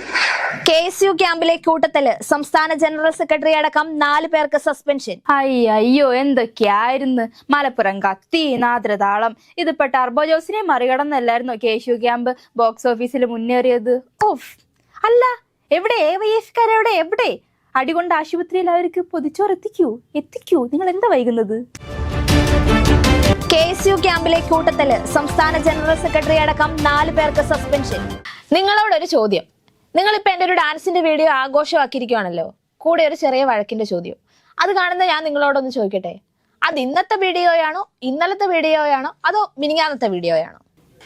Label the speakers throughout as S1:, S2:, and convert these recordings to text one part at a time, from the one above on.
S1: KSU ക്യാമ്പിലെ കൂട്ടത്തില് സംസ്ഥാന ജനറൽ സെക്രട്ടറി അടക്കം 4 പേർക്ക് സസ്പെൻഷൻ.
S2: അയ്യോ എന്തൊക്കെയായിരുന്നു. മലപ്പുറം കത്തി, നാദ്രതാളം. ഇതിപ്പോ ടർബോ ജോസിനെ മറികടന്നല്ലായിരുന്നോ KSU ക്യാമ്പ് ബോക്സ് ഓഫീസിൽ മുന്നേറിയത്? ഓഫ്. അല്ല, എവിടെ AYFക്കാരെവിടെ? എവിടെ അടികൊണ്ട് ആശുപത്രിയിൽ അവർക്ക് പൊതിച്ചോറ് എത്തിക്കൂ. നിങ്ങൾ എന്താ വൈകുന്നത്?
S1: KSU ക്യാമ്പിലെ കൂട്ടത്തില് സംസ്ഥാന ജനറൽ സെക്രട്ടറി അടക്കം 4 പേർക്ക് സസ്പെൻഷൻ. നിങ്ങളോടൊരു ചോദ്യം. നിങ്ങളിപ്പോ എന്റെ ഒരു ഡാൻസിന്റെ വീഡിയോ ആഘോഷമാക്കിയിരിക്കുകയാണല്ലോ, കൂടെ ഒരു ചെറിയ വഴക്കിന്റെ ചോദ്യം. അത് കാണുന്ന ഞാൻ നിങ്ങളോടൊന്ന് ചോദിക്കട്ടെ, അത് ഇന്നത്തെ വീഡിയോയാണോ, ഇന്നലത്തെ വീഡിയോയാണോ, അതോ മിനിങ്ങാന്നത്തെ വീഡിയോയാണോ?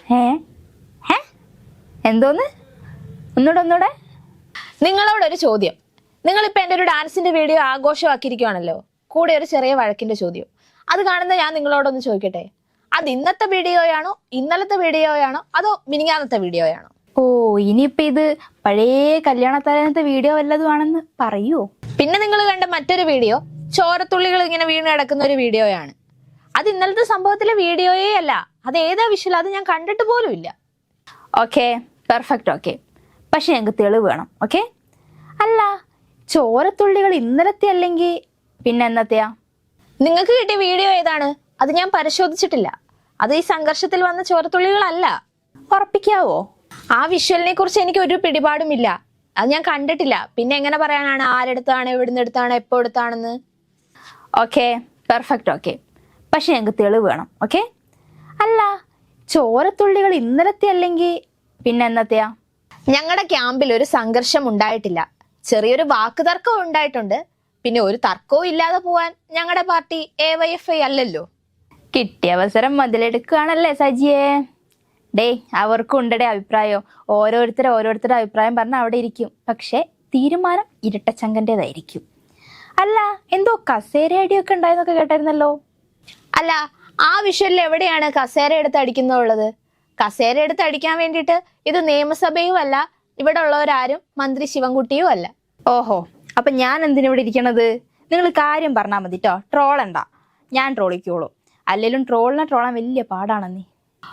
S2: എന്തോന്ന്? ഒന്നൂടെ.
S1: നിങ്ങളോടൊരു ചോദ്യം. നിങ്ങളിപ്പോ എന്റെ ഒരു ഡാൻസിന്റെ വീഡിയോ ആഘോഷമാക്കിയിരിക്കുകയാണല്ലോ, കൂടെ ഒരു ചെറിയ വഴക്കിന്റെ ചോദ്യം. അത് കാണുന്ന ഞാൻ നിങ്ങളോടൊന്ന് ചോദിക്കട്ടെ, അത് ഇന്നത്തെ വീഡിയോയാണോ, ഇന്നലത്തെ വീഡിയോയാണോ, അതോ മിനിങ്ങാന്നത്തെ വീഡിയോയാണോ?
S2: ഓ, ഇനിയിപ്പൊ ഇത് പഴയ കല്യാണത്തലേന്നത്തെ വീഡിയോ വല്ലതും ആണെന്ന് പറയൂ.
S1: പിന്നെ നിങ്ങൾ കണ്ട മറ്റൊരു വീഡിയോ ചോരത്തുള്ളികൾ ഇങ്ങനെ വീണ് കിടക്കുന്ന ഒരു വീഡിയോയാണ്. അത് ഇന്നലത്തെ സംഭവത്തിലെ വീഡിയോയേ അല്ല. അത് ഏതാ വിഷ്വൽ, അത് ഞാൻ കണ്ടിട്ട് പോലും ഇല്ല.
S2: Okay, perfect. ഓക്കെ, പക്ഷെ ഞങ്ങൾക്ക് തെളിവ് വേണം. ഓക്കെ, അല്ല, ചോരത്തുള്ളികൾ ഇന്നലത്തെ അല്ലെങ്കിൽ പിന്നെ എന്നത്തെയാ?
S1: നിങ്ങൾക്ക് കിട്ടിയ വീഡിയോ ഏതാണ്? അത് ഞാൻ പരിശോധിച്ചിട്ടില്ല. അത് ഈ സംഘർഷത്തിൽ വന്ന ചോരത്തുള്ളികളല്ല.
S2: ഉറപ്പിക്കാവോ?
S1: ആ വിഷ്വലിനെ കുറിച്ച് എനിക്ക് ഒരു പിടിപാടുമില്ല. അത് ഞാൻ കണ്ടിട്ടില്ല. പിന്നെ എങ്ങനെ പറയാനാണ് ആരെടുത്താണ്, എവിടുന്ന് എടുത്താണ്, എപ്പോ എടുത്താണെന്ന്?
S2: Okay, perfect. ഓക്കെ, പക്ഷെ ഞങ്ങൾക്ക് തെളിവ് വേണം. ഓക്കെ, അല്ല, ചോരത്തുള്ളികൾ ഇന്നലത്തെ അല്ലെങ്കിൽ പിന്നെ എന്നത്തെയാ?
S1: ഞങ്ങളുടെ ക്യാമ്പിൽ ഒരു സംഘർഷം ഉണ്ടായിട്ടില്ല. ചെറിയൊരു വാക്ക് തർക്കം ഉണ്ടായിട്ടുണ്ട്. പിന്നെ ഒരു തർക്കവും ഇല്ലാതെ പോവാൻ ഞങ്ങളുടെ പാർട്ടി AYFI അല്ലല്ലോ.
S2: കിട്ടിയ അവസരം മുതലെടുക്കുകയാണല്ലേ സജിയെ. അവർക്കും ഉണ്ടേ അഭിപ്രായം. ഓരോരുത്തരുടെ അഭിപ്രായം പറഞ്ഞ അവിടെ ഇരിക്കും. പക്ഷെ തീരുമാനം ഇരട്ടച്ചങ്കന്റേതായിരിക്കും. അല്ല, എന്തോ കസേര അടിയൊക്കെ ഉണ്ടായെന്നൊക്കെ കേട്ടായിരുന്നല്ലോ.
S1: അല്ല, ആ വിഷ്വലിൽ എവിടെയാണ് കസേര എടുത്ത് അടിക്കുന്നുള്ളത്? കസേര എടുത്ത് അടിക്കാൻ വേണ്ടിയിട്ട് ഇത് നിയമസഭയും അല്ല, ഇവിടെ ഉള്ളവരാരും മന്ത്രി ശിവൻകുട്ടിയും അല്ല.
S2: ഓഹോ, അപ്പൊ ഞാൻ എന്തിനിവിടെ ഇരിക്കണത്? നിങ്ങൾ കാര്യം പറഞ്ഞാൽ മതി ട്ടോ, ട്രോളണ്ട. ഞാൻ ട്രോളിക്കോളൂ. അല്ലെങ്കിലും ട്രോളാൻ വലിയ പാടാണെന്നീ.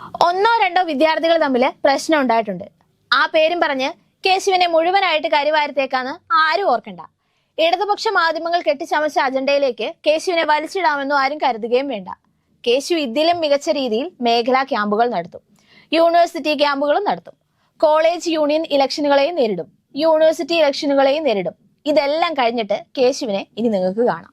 S1: 1-2 വിദ്യാർത്ഥികൾ തമ്മിൽ പ്രശ്നം ഉണ്ടായിട്ടുണ്ട്. ആ പേരും പറഞ്ഞ് കേശുവിനെ മുഴുവനായിട്ട് കരിവാരത്തേക്കാന്ന് ആരും ഓർക്കണ്ട. ഇടതുപക്ഷ മാധ്യമങ്ങൾ കെട്ടിച്ചമച്ച അജണ്ടയിലേക്ക് കേശുവിനെ വലിച്ചിടാമെന്നും ആരും കരുതുകയും വേണ്ട. കേശു ഇതിലും മികച്ച രീതിയിൽ മേഖലാ ക്യാമ്പുകൾ നടത്തും, യൂണിവേഴ്സിറ്റി ക്യാമ്പുകളും നടത്തും, കോളേജ് യൂണിയൻ ഇലക്ഷനുകളെയും നേരിടും, യൂണിവേഴ്സിറ്റി ഇലക്ഷനുകളെയും നേരിടും. ഇതെല്ലാം കഴിഞ്ഞിട്ട് കേശുവിനെ ഇനി നിങ്ങൾക്ക് കാണാം.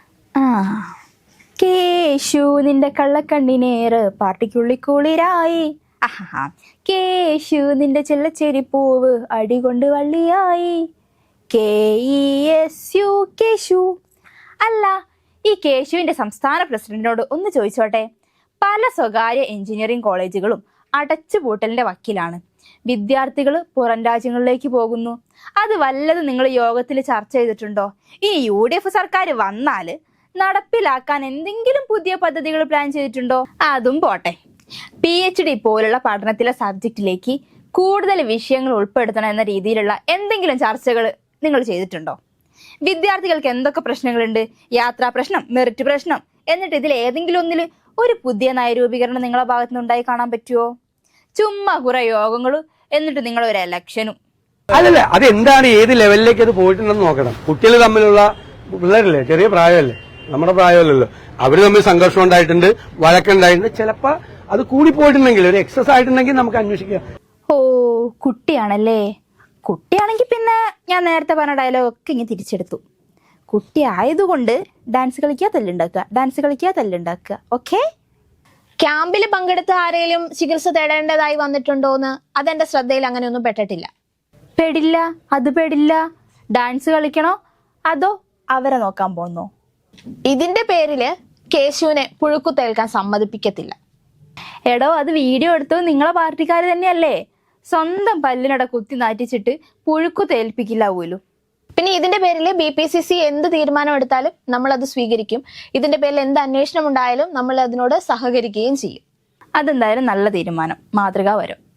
S2: കേശു നിന്റെ കള്ളക്കണ്ണിനേറ് പാർട്ടിക്കുള്ളിക്കുളിരായി. കേശു നിന്റെ ചെല്ലച്ചെരിപ്പൂവ് അടികൊണ്ട് വള്ളിയായി. KESU കേശു. അല്ല, ഈ കേശുവിന്റെ സംസ്ഥാന പ്രസിഡന്റിനോട് ഒന്ന് ചോദിച്ചോട്ടെ. പല സ്വകാര്യ എഞ്ചിനീയറിംഗ് കോളേജുകളും അടച്ചുപൂട്ടലിന്റെ വക്കിലാണ്. വിദ്യാർത്ഥികൾ പുറം രാജ്യങ്ങളിലേക്ക് പോകുന്നു. അത് വല്ലതും നിങ്ങൾ യോഗത്തിൽ ചർച്ച ചെയ്തിട്ടുണ്ടോ? ഇനി UDF സർക്കാർ വന്നാല് നടപ്പിലാക്കാൻ എന്തെങ്കിലും പുതിയ പദ്ധതികൾ പ്ലാൻ ചെയ്തിട്ടുണ്ടോ? അതും പോട്ടെ, PhD പോലുള്ള പഠനത്തിലെ സബ്ജക്റ്റിലേക്ക് കൂടുതൽ വിഷയങ്ങൾ ഉൾപ്പെടുത്തണം എന്ന രീതിയിലുള്ള എന്തെങ്കിലും ചർച്ചകൾ നിങ്ങൾ ചെയ്തിട്ടുണ്ടോ? വിദ്യാർത്ഥികൾക്ക് എന്തൊക്കെ പ്രശ്നങ്ങളുണ്ട്? യാത്രാ പ്രശ്നം, മെറിറ്റ് പ്രശ്നം. എന്നിട്ട് ഇതിൽ ഏതെങ്കിലും ഒന്നിൽ ഒരു പുതിയ നയരൂപീകരണം നിങ്ങളെ ഭാഗത്തുനിന്ന് ഉണ്ടായി കാണാൻ പറ്റുമോ? ചുമ്മാ കുറെ യോഗങ്ങളും എന്നിട്ട് നിങ്ങൾ ഒരു ഇലക്ഷനും.
S3: അല്ലല്ല, അതെന്താണ്, ഏത് ലെവലിലേക്ക് അത് പോയിട്ടുണ്ടെന്ന് നോക്കണം. കുട്ടികൾ തമ്മിലുള്ള, പിള്ളേരല്ലേ, ചെറിയ പ്രായമല്ലേ, നമ്മുടെ പ്രായമല്ലല്ലോ. അവര് തമ്മിൽ സംഘർഷം ഉണ്ടായിട്ടുണ്ട്, വഴക്കുണ്ടായിട്ടുണ്ട്. ചിലപ്പോ അത് കൂടിപ്പോയിട്ടുണ്ടെങ്കിൽ, ഒരു എക്സസ് ആയിട്ടുണ്ടെങ്കിൽ നമുക്ക് അന്വേഷിക്കാം.
S2: ഓ, കുട്ടിയാണല്ലേ. കുട്ടിയാണെങ്കിൽ പിന്നെ ഞാൻ നേരത്തെ പറഞ്ഞ ഡയലോഗ് ഒക്കെ ഇങ്ങനെ തിരിച്ചെടുത്തു. കുട്ടി ആയതുകൊണ്ട് ഡാൻസ് കളിക്കുക, തല്ലുണ്ടാക്കുക. ഓക്കെ,
S1: ക്യാമ്പിൽ പങ്കെടുത്ത ആരെങ്കിലും ചികിത്സ തേടേണ്ടതായി വന്നിട്ടുണ്ടോന്ന് അതെന്റെ ശ്രദ്ധയിൽ അങ്ങനെയൊന്നും പെട്ടിട്ടില്ല.
S2: പെടില്ല. ഡാൻസ് കളിക്കണോ അതോ അവരെ നോക്കാൻ പോന്നോ?
S1: ഇതിന്റെ പേരില് കേശുവിനെ പുഴുക്കുത്തേൽക്കാൻ സമ്മതിപ്പിക്കത്തില്ല.
S2: എടോ, അത് വീഡിയോ എടുത്തത് നിങ്ങളെ പാർട്ടിക്കാർ തന്നെയല്ലേ. സ്വന്തം പല്ലിനട കുത്തി നാറ്റിച്ചിട്ട് പുഴുക്കു തേൽപ്പിക്കില്ല പോലും.
S1: പിന്നെ ഇതിന്റെ പേരിൽ BPCC എന്ത് തീരുമാനം എടുത്താലും നമ്മൾ അത് സ്വീകരിക്കും. ഇതിന്റെ പേരിൽ എന്ത് അന്വേഷണം ഉണ്ടായാലും നമ്മൾ അതിനോട് സഹകരിക്കുകയും ചെയ്യും.
S2: അതെന്തായാലും നല്ല തീരുമാനം, മാതൃക വരും.